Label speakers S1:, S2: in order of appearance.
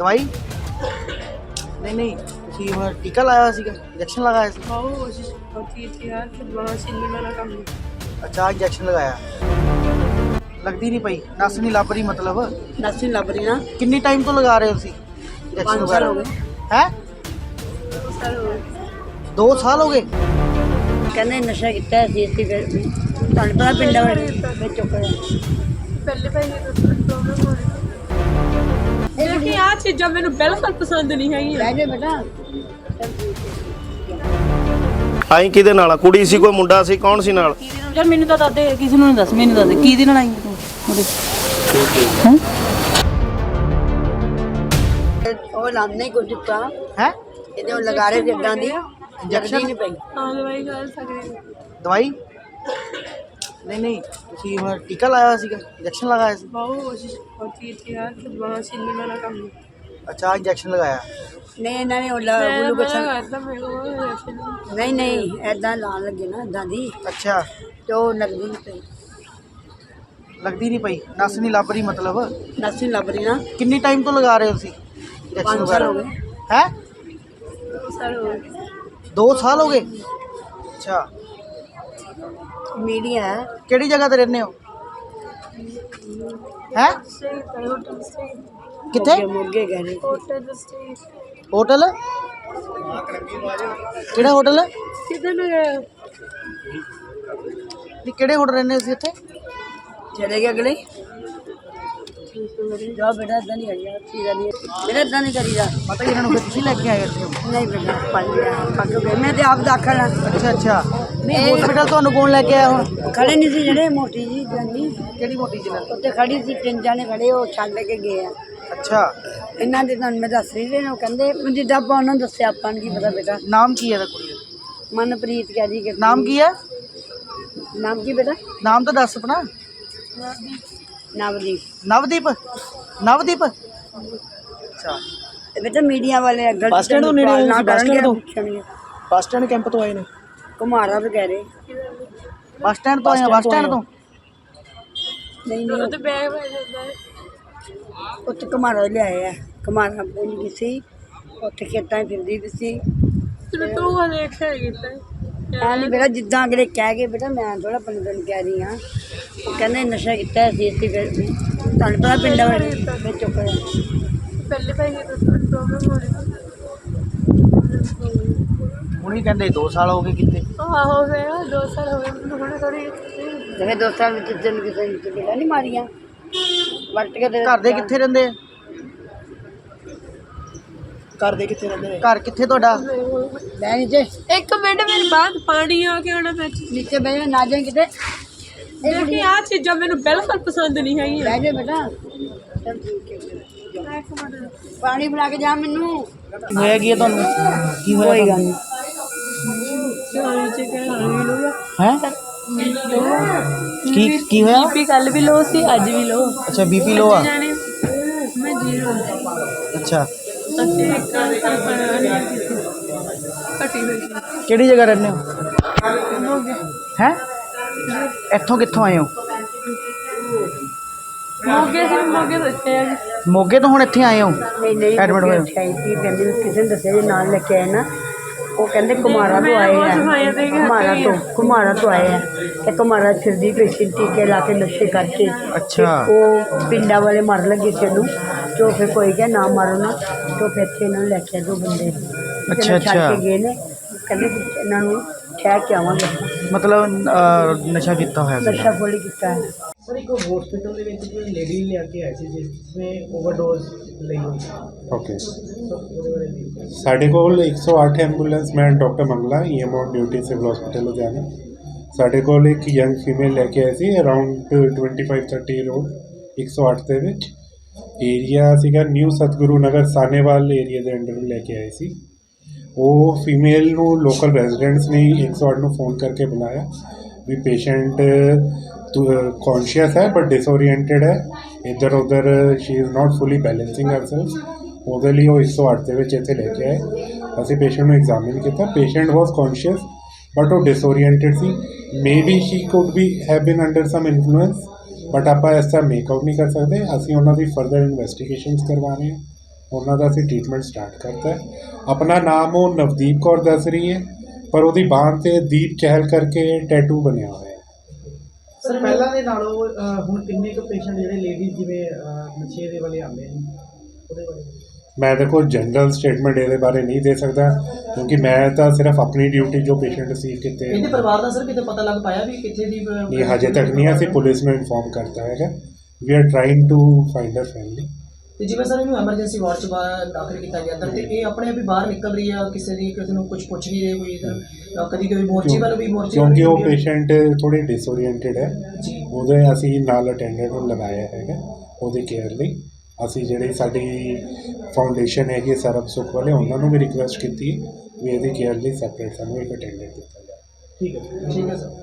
S1: ਦਵਾਈ ਨਹੀਂ ਨਹੀਂ ਤੁਸੀਂ ਹੁਣ ਟੀਕਾ ਲਾਇਆ ਹੋਇਆ ਸੀਗਾ, ਇੰਜੈਕਸ਼ਨ ਲਗਾਇਆ ਸੀ?
S2: हाँ वो कोशिश होती थी यार, फिर वहाँ सिलने वाला काम नहीं।
S1: ਅੱਛਾ ਇੰਜੈਕਸ਼ਨ ਲਗਾਇਆ, ਲੱਗਦੀ ਨਹੀਂ ਪਈ, ਨਸ ਨਹੀਂ ਲੱਭ ਰਹੀ ਮਤਲਬ?
S2: नस नहीं लग रही ना।
S1: ਕਿੰਨੀ ਟਾਈਮ ਤੋਂ ਲਗਾ ਰਹੇ ਹੋ ਤੁਸੀਂ
S2: 5 साल हो गए।
S1: ਹੈ
S2: 2 साल हो गए।
S1: 2 ਸਾਲ ਹੋ ਗਏ?
S3: ਕਹਿੰਦੇ ਨਸ਼ਾ ਕੀਤਾ ਸੀ ਅਸੀਂ ਫਿਰ ਤੁਹਾਨੂੰ ਪਤਾ ਪਿੰਡਾਂ ਵਿੱਚ ਚੁੱਕ ਰਿਹਾ
S2: पहले पहले तो प्रॉब्लम हो रही थी, लेकिन यार चीज़ां मैंने बिल्कुल पसंद नहीं है।
S3: ਰਹਿ ਜਾ ਬੇਟਾ
S4: ਆਈ ਕਿਹਦੇ ਨਾਲ ਆ? ਕੁੜੀ ਸੀ ਕੋਈ ਮੁੰਡਾ ਸੀ, ਕੌਣ ਸੀ ਨਾਲ?
S5: ਯਾਰ ਮੈਨੂੰ ਤਾਂ ਦੱਸ ਦੇ, ਕਿਸੇ ਨੂੰ ਨਹੀਂ ਦੱਸ, ਮੈਨੂੰ ਦੱਸ ਦੇ ਕਿਹਦੇ ਨਾਲ ਆਈ ਤੂੰ ਉਹਦੇ ਹੈਂ?
S3: ਉਹ ਲਾਉਂਦੇ ਹੀ ਕੁਝ ਦਿੱਤਾ
S1: ਹੈ
S3: ਇਹਦੇ ਉਹ ਲਗਾ ਰਹੇ ਜਿੱਦਾਂ ਦੀ
S1: ਇੰਜੈਕਸ਼ਨ
S3: ਨਹੀਂ ਪਈ
S2: हाँ दवाई खा सकते हैं।
S1: ਦਵਾਈ ਨਹੀਂ ਨਹੀਂ ਤੁਸੀਂ ਹੁਣ ਟੀਕਾ ਲਾਇਆ ਹੋਇਆ ਸੀਗਾ, ਇੰਜੈਕਸ਼ਨ ਲਗਾਇਆ ਸੀ?
S2: बहुत कोशिश होती थी यार, फिर वहाँ सिलने वाला काम नहीं।
S1: ਅੱਛਾ ਇੰਜੈਕਸ਼ਨ ਲਗਾਇਆ,
S3: ਨਹੀਂ ਇਹਨਾਂ ਨੇ ਉਹ
S2: मैं
S3: ਗੁੱਲੂ
S2: मना
S3: ਕੁਛ
S2: करता मेरे को injection।
S3: ਨਹੀਂ ਨਹੀਂ ਐਦਾਂ ਲਾਉਣ ਲੱਗੇ ਨਾ ਐਦਾਂ ਦੀ
S1: ਅੱਛਾ
S3: ਤੇ ਉਹ ਲੱਗਦੀ ਨਹੀਂ ਪਈ
S1: ਲੱਗਦੀ ਨਹੀਂ ਪਈ, ਨਸ ਨਹੀਂ ਲੱਭ ਰਹੀ ਮਤਲਬ?
S3: ਨਸ ਨਹੀਂ ਲੱਭ ਰਹੀ ਨਾ।
S1: ਕਿੰਨੀ ਟਾਈਮ ਤੋਂ ਲਗਾ ਰਹੇ ਹੋ ਤੁਸੀਂ ਇੰਜੈਕਸ਼ਨ
S3: 5 ਸਾਲ ਹੋ ਗਏ।
S1: ਹੈ
S2: 2 साल हो गए।
S1: 2 ਸਾਲ ਹੋ ਗਏ? ਅੱਛਾ
S3: ਮੀਡੀਆ ਹੈ
S1: ਕਿਹੜੀ ਜਗ੍ਹਾ ਤੇ ਰਹਿੰਦੇ ਹੋ? ਹੈ
S2: Stay, hotel stay,
S1: ਕਿੱਥੇ?
S3: ਮੋਗੇ ਗਏ ਨੇ
S2: hotel stay।
S1: ਹੋਟਲ ਕਿਹੜਾ ਹੋਟਲ?
S2: किधर गए?
S1: ਨਹੀਂ ਕਿਹੜੇ ਹੋਟਲ ਰਹਿੰਦੇ ਸੀ ਇੱਥੇ?
S3: ਚਲੇ ਗਏ ਅਗਲੇ ਜਾ ਬੇਟਾ ਇਦਾਂ ਨਹੀਂ ਕਰੀਦਾ ਚੀਜ਼ਾਂ ਨਹੀਂ ਬੇਟਾ ਇਦਾਂ ਨਹੀਂ ਕਰੀਦਾ
S1: ਪਤਾ ਇਹਨਾਂ ਨੂੰ ਫਿਰ ਤੁਸੀਂ ਲੈ ਕੇ ਆਏ ਇੱਥੇ?
S3: ਨਹੀਂ ਬੇਟਾ ਪੱਕ ਗਏ ਮੈਂ ਤੇ ਆਪ ਦਾਖਲ ਹਾਂ
S1: ਅੱਛਾ ਅੱਛਾ ਨਹੀਂ ਹਸਪੀਟਲ ਤੁਹਾਨੂੰ ਕੌਣ ਲੈ ਕੇ ਆਇਆ ਹੁਣ?
S3: ਖੜੇ ਨਹੀਂ ਸੀ ਜਿਹੜੇ ਮੋਟੀ ਜੀ ਜਾਨੀ
S1: ਕਿਹੜੀ ਮੋਟੀ ਜਨਾਨੀ?
S3: ਉੱਤੇ ਖੜੀ ਸੀ 3 ਜਾਣੇ ਖੜੇ ਉਹ ਛੱਡ ਕੇ ਗਏ ਆ
S1: ਅੱਛਾ
S3: ਇਹਨਾਂ ਦੇ ਤੁਹਾਨੂੰ ਮੈਂ ਦੱਸ ਰਹੀ ਸੀ ਉਹ ਕਹਿੰਦੇ ਜਿੱਦਾਂ ਆਪਾਂ ਉਹਨਾਂ ਨੂੰ ਦੱਸਿਆ ਆਪਾਂ ਨੂੰ ਕੀ ਪਤਾ ਬੇਟਾ
S1: ਨਾਮ ਕੀ ਹੈ ਇਹਦਾ ਕੁੜੀ ਦਾ?
S3: ਮਨਪ੍ਰੀਤ ਕਹਿ ਜੀ ਕਿ
S1: ਨਾਮ ਕੀ ਹੈ?
S3: ਨਾਮ ਕੀ ਬੇਟਾ
S1: ਨਾਮ ਤਾਂ ਦੱਸ ਆਪਣਾ।
S3: ਨਵਦੀਪ
S1: ਨਵਦੀਪ? ਨਵਦੀਪ ਅੱਛਾ
S3: ਤੇ ਬੇਟਾ ਮੀਡੀਆ ਵਾਲੇ ਅੱਗੇ
S1: ਬੱਸ ਸਟੈਂਡ ਤੋਂ ਨੇੜੇ ਆਏ ਸੀ, ਬੱਸ ਸਟੈਂਡ ਤੋਂ?
S3: ਪੁੱਛਣਗੇ
S1: ਬੱਸ ਸਟੈਂਡ ਕੈਂਪ ਤੋਂ ਆਏ ਨੇ?
S3: ਘੁਮਾਰਾ ਵੀ ਕਹਿ ਰਹੇ
S1: ਬੱਸ ਸਟੈਂਡ ਤੋਂ ਆਏ ਆ? ਬੱਸ ਸਟੈਂਡ ਤੋਂ?
S3: ਨਹੀਂ
S2: तो
S3: ਨਹੀਂ
S2: बैग में जाता है।
S3: ਉੱਥੇ ਘੁਮਾਰਾ ਲਿਆਏ ਆ ਘੁਮਾਰਾ ਬੋਲੀ ਗਈ ਸੀ ਉੱਥੇ ਖੇਤਾਂ 'ਚ ਫਿਰਦੀ ਵੀ ਸੀ
S2: फिर तो वो देखा है कितना
S3: ਐ ਨਹੀਂ ਬੇਟਾ ਜਿੱਦਾਂ ਅਗਲੇ ਕਹਿ ਗਏ ਬੇਟਾ ਮੈਂ ਥੋੜਾ ਬੰਦੇ ਨੂੰ ਕਹਿ ਰਹੀ ਹਾਂ ਉਹ ਕਹਿੰਦੇ ਨਸ਼ਾ ਕੀਤਾ ਸੀ ਅਸੀਂ ਫਿਰ ਤੁਹਾਨੂੰ ਪਤਾ ਪਿੰਡਾਂ ਵਿੱਚ ਚੁੱਕ ਰਿਹਾ
S2: पहले पहले तो प्रॉब्लम हो रही थी।
S1: ਹੁਣ ਹੀ ਕਹਿੰਦੇ 2 ਸਾਲ ਹੋ ਗਏ ਕਿਤੇ?
S2: हाँ हो गया 2 साल हो गए, थोड़ी थोड़ी।
S3: ਜਿਹੜੇ ਦੋਸਤਾਂ ਵਿੱਚ ਜਨ ਕਿਸੇ ਨੇ ਕਿਹੜਾ ਨਹੀਂ ਮਾਰੀਆਂ ਵਰਤ ਕੇ ਤੇ
S1: ਘਰ ਦੇ ਕਿੱਥੇ ਰਹਿੰਦੇ ਆ?
S4: ਘਰ ਦੇ ਕਿੱਥੇ ਰਹਿੰਦੇ ਨੇ?
S1: ਘਰ ਕਿੱਥੇ ਤੁਹਾਡਾ?
S3: ਬਹਿ ਨੀਚੇ
S2: एक मिनट मेरी बात पानी आके आना मैं
S3: ਨੀਚੇ ਬਹਿ ਜਾ ਨਾ ਜਾਏ ਕਿਤੇ
S2: लेकिन यार चीज़ां मैंने बिल्कुल पसंद नहीं है।
S3: ਬਹਿ ਜਾ ਬੇਟਾ ਚੱਲ ਠੀਕ ਹੈ ਪਾਣੀ ਬਣਾ ਕੇ ਜਾ ਮੈਨੂੰ
S1: ਹੋਇਆ ਕੀ ਹੈ ਤੁਹਾਨੂੰ? ਕੀ ਹੋਇਆ?
S3: ਕੋਈ ਗੱਲ ਨਹੀਂ
S1: ਹੈ ਕੀ ਹੋਇਆ?
S5: ਬੀਪੀ ਕੱਲ ਵੀ ਲੋ ਸੀ, ਅੱਜ ਵੀ ਲੋ।
S1: ਅੱਛਾ ਬੀਪੀ ਲੋ ਆ?
S2: मैं जीरो
S1: ਅੱਛਾ
S2: कटी हुई
S1: ਕਿਹੜੀ ਜਗ੍ਹਾ ਰਹਿੰਦੇ ਹੋ? ਹੈ ਇੱਥੋਂ ਕਿੱਥੋਂ ਆਏ ਹੋ?
S2: मोगे से मोगे बच्चे हैं।
S1: ਮੋਗੇ ਤੋਂ ਹੁਣ ਇੱਥੇ ਆਏ ਹੋ?
S3: ਨਹੀਂ ਨਹੀਂ
S1: Admit ਹੋਏ ਹੋ?
S3: ਸੀ ਕਹਿੰਦੇ ਵੀ ਕਿਸੇ ਨੇ ਦੱਸਿਆ ਜੀ ਨਾਲ ਲੈ ਕੇ ਆਏ ਨਾ ਉਹ ਕਹਿੰਦੇ ਕੁਮਾਰਾ ਤੋਂ ਆਏ ਆ ਕੁਮਾਰਾ ਤੋਂ ਆਏ ਆ ਤੇ ਕੁਮਾਰਾ ਫਿਰਦੀ ਪੇਸ਼ੈਂਟ ਟੀਕੇ ਲਾ ਕੇ ਨਸ਼ੇ ਕਰਕੇ
S1: ਅੱਛਾ
S3: ਉਹ ਪਿੰਡਾਂ ਵਾਲੇ ਮਰ ਲੱਗੇ ਸੀ ਉਹਨੂੰ ਜੋ ਫਿਰ ਕੋਈ ਕਿਹਾ ਨਾ ਮਾਰੋ ਨਾ ਤੋਂ ਫਿਰ ਇੱਥੇ ਇਹਨਾਂ ਨੂੰ ਲੈ ਕੇ ਆਏ 2 ਬੰਦੇ
S1: ਅੱਛਾ,
S3: ਛੱਡ
S1: ਅੱਛਾ।
S3: ਕੇ ਗਏ ਨੇ ਕਹਿੰਦੇ ਵੀ ਇਹਨਾਂ ਨੂੰ ਠਹਿ ਕੇ ਆਵਾਂਗੇ
S1: ਮਤਲਬ ਨਸ਼ਾ ਕੀਤਾ ਹੋਇਆ ਸੀ?
S3: ਨਸ਼ਾ ਫੁੱਲ ਕੀਤਾ ਹੈ
S1: ਸਰ ਇੱਕ ਹਸਪੀਟਲ ਦੇ ਵਿੱਚ ਕੋਈ ਲੇਡੀ ਲੈ ਕੇ ਆਈ ਸੀ ਜਿਸ ਨੇ ਓਵਰਡੋਜ਼ ਲਈ ਹੋਈ ਸੀ।
S6: ਓਕੇ ਸਾਡੇ ਕੋਲ 108 ਐਂਬੂਲੈਂਸ ਮੈਨ doctor Mangla EMO duty civil hospital Ludhiana ਸਾਡੇ ਕੋਲ ਇੱਕ ਯੰਗ ਫੀਮੇਲ ਲੈ ਕੇ ਆਈ ਸੀ ਅਰਾਊਂਡ 25-30 ਰੋਡ 108 ਦੇ ਵਿੱਚ ਏਰੀਆ ਸੀਗਾ ਨਿਊ ਸਤਗੁਰੂ ਨਗਰ ਸਾਨੇਵਾਲ ਏਰੀਆ ਦੇ ਅੰਡਰ ਲੈ ਕੇ ਆਏ ਸੀ। ਉਹ ਫੀਮੇਲ ਨੂੰ ਲੋਕਲ ਰੈਜ਼ੀਡੈਂਟਸ ਨੇ 108 ਨੂੰ ਫੋਨ ਕਰਕੇ ਬੁਲਾਇਆ ਵੀ ਪੇਸ਼ੈਂਟ कॉन्शियस है बट डिसओरिएंटेड है इधर उधर she is not fully balancing herself ਉਹਦੇ ਲਈ ਉਹ 108 ਦੇ ਵਿੱਚ ਇੱਥੇ ਲੈ ਕੇ ਆਏ ਅਸੀਂ ਪੇਸ਼ੈਂਟ ਨੂੰ ਐਗਜ਼ਾਮਿਨ ਕੀਤਾ ਪੇਸ਼ੈਂਟ ਵਾਸ ਕੌਨਸ਼ੀਅਸ ਬਟ ਉਹ ਡਿਸਓਰੀਐਂਟਡ ਸੀ maybe she could be have been under some influence but ਆਪਾਂ ਇਸ ਤਰ੍ਹਾਂ ਮੇਕ ਆਊਟ ਨਹੀਂ ਕਰ ਸਕਦੇ ਅਸੀਂ ਉਹਨਾਂ ਦੀ ਫਰਦਰ ਇਨਵੈਸਟੀਗੇਸ਼ਨਸ ਕਰਵਾ ਰਹੇ ਹਾਂ ਉਹਨਾਂ ਦਾ ਅਸੀਂ ਟ੍ਰੀਟਮੈਂਟ ਸਟਾਰਟ ਕਰਤਾ ਹੈ। ਆਪਣਾ ਨਾਮ ਉਹ ਨਵਦੀਪ ਕੌਰ ਦੱਸ ਰਹੀ ਹੈ, ਪਰ ਉਹਦੀ ਬਾਂਹ 'ਤੇ ਦੀਪ ਚਹਿਲ ਕਰਕੇ ਟੈਟੂ ਬਣਿਆ ਹੋਇਆ ਹੈ।
S1: ਸਰ ਪਹਿਲਾਂ ਦੇ ਨਾਲੋਂ ਹੁਣ ਕਿੰਨੇ ਕੁ ਪੇਸ਼ੈਂਟ ਜਿਹੜੇ ਲੇਡੀਜ਼ ਜਿਵੇਂ ਨਸ਼ੇ ਦੇ ਵਾਲੇ ਆਉਂਦੇ ਨੇ ਉਹਦੇ ਬਾਰੇ?
S6: ਮੈਂ ਦੇਖੋ ਜਨਰਲ ਸਟੇਟਮੈਂਟ ਇਹਦੇ ਬਾਰੇ ਨਹੀਂ ਦੇ ਸਕਦਾ, ਕਿਉਂਕਿ ਮੈਂ ਤਾਂ ਸਿਰਫ ਆਪਣੀ ਡਿਊਟੀ ਜੋ ਪੇਸ਼ੈਂਟ ਰਿਸੀਵ ਕੀਤੇ
S1: ਇਹਦੇ ਪਰਿਵਾਰ ਦਾ ਸਰ ਕਿਤੇ ਪਤਾ ਲੱਗ ਪਾਇਆ ਵੀ ਕਿੱਥੇ ਦੀ
S6: ਨਹੀਂ, ਹਜੇ ਤੱਕ ਨਹੀਂ ਅਸੀਂ ਪੁਲਿਸ ਨੂੰ ਇਨਫੋਰਮ ਕਰਤਾ ਹੈਗਾ। We are trying to find a family.
S1: ਤੇ ਜਿਵੇਂ ਸਰ ਇਹਨੂੰ ਐਮਰਜੈਂਸੀ ਵਾਰਡ 'ਚ ਦਾਖਲ ਕੀਤਾ ਗਿਆ ਤਾਂ ਤੇ ਇਹ ਆਪਣੇ ਆਪ ਹੀ ਬਾਹਰ ਨਿਕਲ ਰਹੀ ਆ, ਕਿਸੇ ਨੂੰ ਕੁਝ ਪੁੱਛ ਨਹੀਂ ਰਹੇ ਕੋਈ ਇਧਰ ਕਦੀ ਕੋਈ ਮੋਰਚੇ ਵੱਲ ਵੀ ਮੋਰਚੇ
S6: ਕਿਉਂਕਿ ਉਹ ਪੇਸ਼ੈਂਟ ਥੋੜੇ ਡਿਸਓਰੀਐਂਟਡ ਹੈ,
S1: ਜੀ
S6: ਉਹਦੇ ਅਸੀਂ ਨਾਲ ਅਟੈਂਡੈਂਟ ਨੂੰ ਲਗਾਇਆ ਹੈਗਾ ਉਹਦੀ ਕੇਅਰ ਲਈ। ਅਸੀਂ ਜਿਹੜੀ ਸਾਡੀ ਫਾਊਂਡੇਸ਼ਨ ਹੈਗੀ ਸਰਬ ਸੁੱਖ ਵਾਲੇ, ਉਹਨਾਂ ਨੂੰ ਵੀ ਰਿਕੁਐਸਟ ਕੀਤੀ ਵੀ ਇਹਦੀ ਕੇਅਰ ਲਈ ਸੈਪਰੇਟ ਸਾਨੂੰ ਇੱਕ ਅਟੈਂਡੈਂਟ ਦਿੱਤਾ ਜਾਵੇ।
S1: ਠੀਕ ਹੈ ਸਰ।